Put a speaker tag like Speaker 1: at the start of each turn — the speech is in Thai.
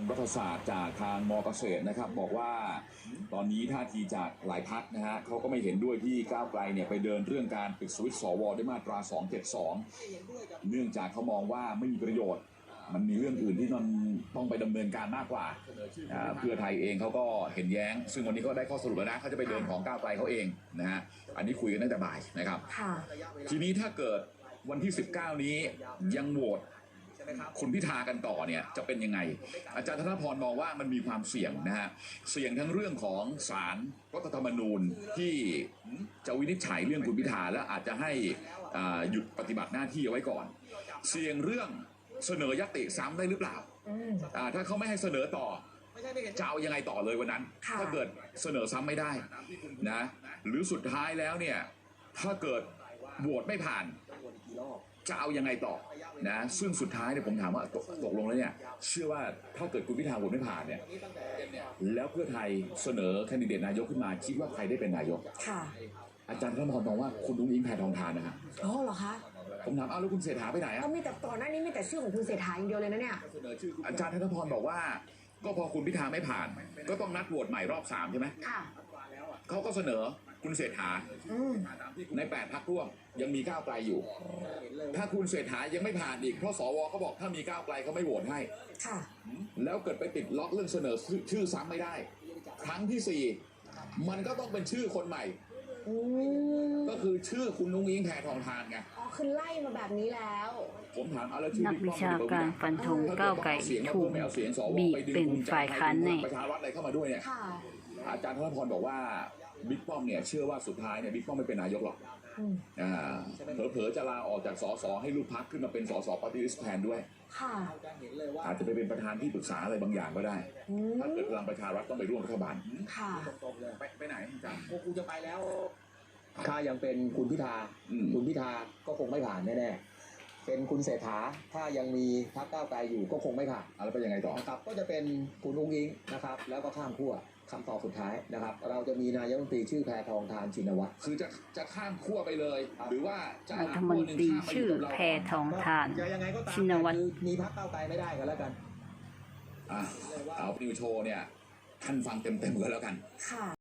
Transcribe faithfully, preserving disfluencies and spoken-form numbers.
Speaker 1: รัฐศาสตร์จากทางมอเกษตรนะครับบอกว่าตอนนี้ท่าทีจากหลายพรรคนะฮะเขาก็ไม่เห็นด้วยที่ก้าวไกลเนี่ยไปเดินเรื่องการปิดสวิตช์สวด้วยมาตราสองเจ็ดสองเนื่องจากเขามองว่าไม่มีประโยชน์มันมีเรื่องอื่นที่มันต้องไปดำเนินการมากกว่าเพื่อไทยเองเขาก็เห็นแย้งซึ่งวันนี้ก็ได้ข้อสรุปแล้วนะเขาจะไปเดินของก้าวไกลเขาเองนะฮะอันนี้คุยกันตั้งแต่บ่ายนะครับทีนี้ถ้าเกิดวันที่สิบเก้านี้ยังโหวตคุณพิธากันต่อเนี่ยจะเป็นยังไงอาจารย์ธนพรมองว่ามันมีความเสี่ยงนะฮะเสี่ยงทั้งเรื่องของศาลรัฐธรรมนูญที่จะวินิจฉัยเรื่องคุณพิธาและอาจจะให้หยุดปฏิบัติหน้าที่เอาไว้ก่อนเสี่ยงเรื่องเสนอยติซ้ำได้หรือเปล่าถ้าเขาไม่ให้เสนอต่อจะเอายังไงต่อเลยวันนั้นถ้าเกิดเสนอซ้ำไม่ได้นะหรือสุดท้ายแล้วเนี่ยถ้าเกิดโหวตไม่ผ่านจะเอายังไงต่อนะซึ่งสุดท้ายเนี่ยผมถามว่าตกตกลงแล้วเนี่ยเชื่อว่าถ้าเกิดคุณพิธาโหวตไม่ผ่านเนี่ยแล้วเพื่อไทยเสนอแคนดิเดตนายกขึ้นมาคิดว่าใครได้เป็นนายกค่ะอาจารย์ธนพรมองว่าคุณอุ้งอิงแพทองธารนะฮะ
Speaker 2: อ๋อเหรอคะ
Speaker 1: ผมถามอ้าวแล้วคุณเศรษฐาไปไหนอ่ะ
Speaker 2: ก็มีแต่ก่อนหน้านี้มีแต่ชื่อของคุณเศรษฐาอย่างเดียวเลยนะเนี่ย
Speaker 1: อาจารย์ธนพรบอกว่าก็พอคุณพิธาไม่ผ่านก็ต้องนัดโหวตใหม่รอบสามใช่ไหมค่ะเขาก็เสนอคุณเศรษฐาในแปดพรรคร่วมยังมีก้าวไกลอยู่ถ้าคุณเศรษฐายังไม่ผ่านอีกเพราะสวเขาบอกถ้ามีก้าวไกลเขาไม่โหวตให้ค่ะแล้วเกิดไปติดล็อกเรื่องเสนอชื่อซ้ำไม่ได้ครั้งที่สี่มันก็ต้องเป็นชื่อคนใหม่ก็คือชื่อคุณนุ้งอิงแพทองธารไง
Speaker 2: อ๋อคือไล่มาแบบนี้แล้ว
Speaker 1: ผมถามอะไรชื่อ
Speaker 3: นักวิชาการฟันธงก้าวไกลถูกบีบเป็นฝ่ายค้านใน
Speaker 1: ประชารัฐอะไรเข้ามาด้วยเนี่ยอาจารย์ธนพรบอกว่าบิ๊กป้อมเนี่ยเชื่อว่าสุดท้ายเนี่ยบิ๊กป้อมไม่เป็นนายกหรอกอ่าเผลอๆจะลาออกจากสสให้ลูกพรรคขึ้นมาเป็นสสปฏิริษีแทนด้วยค่ะอาจจะไปเป็นประธานที่ปรึกษาอะไรบางอย่างก็ได้ถ้าเกิดพลังประชารัฐต้องไปร่วมรัฐบาล
Speaker 2: ค่ะ
Speaker 1: ไปไปไหนอาจารย์
Speaker 4: กูจะไปแล้วถ้ายังเป็นคุณพิธาคุณพิธาก็คงไม่ผ่านแน่ๆเป็นคุณเศรษฐาถ้ายังมีพรรคก้าวไกลอยู่ก็คงไม่ผ่าน
Speaker 1: แล้วเป็นยังไงต่อ
Speaker 4: นะครับก็จะเป็นคุณอุ้งอิงนะครับแล้วก็ข้ามขั้วคำตอบสุดท้ายนะครับเราจะมีนายกรัฐมนตรีชื่อแพทองธารชินวัตร
Speaker 1: คือจะจะข้ามขั้วไปเลยหรือว่าจะ
Speaker 3: รัฐมนตรีชื่อแพทองธารชินวัตร
Speaker 4: มีพรรคก้าวไกลไม่ได้กันแล้วกัน
Speaker 1: อ่ะเอานิวโชว์เนี่ยท่านฟังเต็มๆกันแล้วกัน
Speaker 2: ค่ะ